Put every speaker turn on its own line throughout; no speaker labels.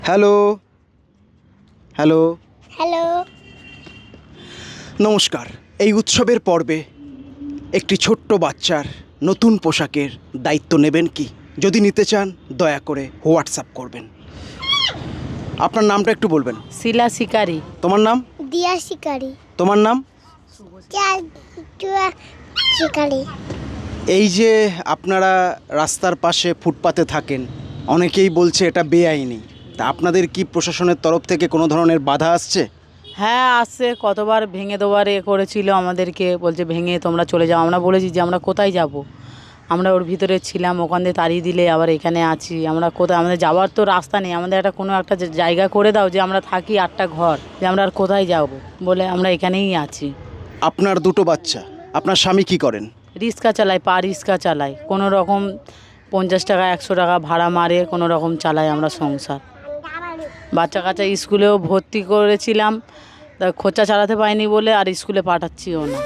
Hello, hello,
hello.
নমস্কার। এই উৎসবের পর্বে একটি ছোট্ট বাচ্চার নতুন পোশাকের দায়িত্ব নেবেন কি? যদি নিতে চান দয়া করে হোয়াটসঅ্যাপ করবেন। আপনার নামটা একটু বলবেন।
শিলা শিকারি।
তোমার নাম?
দিয়া শিকারি।
তোমার নাম?
শিকারি।
এই যে আপনারা রাস্তার পাশে ফুটপাতে থাকেন, অনেকেই বলছে এটা বেআইনি। তা আপনাদের কি প্রশাসনের তরফ থেকে কোনো ধরনের বাধা আসছে?
হ্যাঁ আসছে, কতবার ভেঙে দেওয়ার করেছিল আমাদেরকে, বলছে ভেঙে তোমরা চলে যাও। আমরা বলেছি যে আমরা কোথায় যাব, আমরা ওর ভিতরে ছিলাম, ওখান দিয়ে তাড়িয়ে দিলে আবার এখানে আছি। আমরা কোথায়, আমাদের যাওয়ার তো রাস্তা নেই, আমাদের একটা কোনো একটা জায়গা করে দাও যে আমরা থাকি, 8টা ঘর, যে আমরা আর কোথায় যাব, বলে আমরা এখানেই আছি।
আপনার দুটো বাচ্চা, আপনার স্বামী কি করেন?
রিক্সা চালায়, পা রিক্সা চালায়, কোনো রকম 50 টাকা 100 টাকা ভাড়া মারে কোনো রকম চালাই আমরা সংসার। বাচ্চা কাচ্চা স্কুলেও ভর্তি করেছিলাম, তা খরচা চালাতে পারিনি বলে আর স্কুলে পাঠাচ্ছিও না।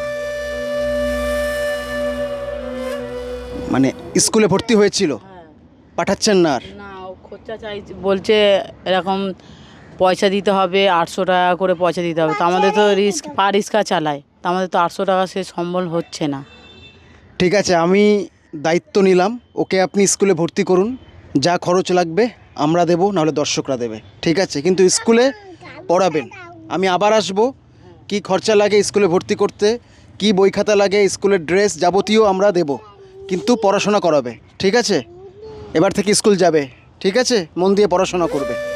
মানে স্কুলে ভর্তি হয়েছিল, পাঠাচ্ছেন না আর?
না, ও খরচা চাই বলছে, এরকম পয়সা দিতে হবে, 800 টাকা করে পয়সা দিতে হবে। তো আমাদের তো পা রিক্সা চালায়, তো আমাদের তো 800 টাকা সে সম্বল হচ্ছে না।
ঠিক আছে, আমি দায়িত্ব নিলাম, ওকে আপনি স্কুলে ভর্তি করুন। যা খরচ লাগবে আমরা দেব, নাহলে দর্শকরা দেবে, ঠিক আছে? কিন্তু স্কুলে পড়াবেন। আমি আবার আসব, কি খরচা লাগে স্কুলে ভর্তি করতে, কি বই খাতা লাগে, স্কুলের ড্রেস যাবতীয় আমরা দেব, কিন্তু পড়াশোনা করাবে, ঠিক আছে? এবার থেকে স্কুল যাবে, ঠিক আছে? মন দিয়ে পড়াশোনা করবে।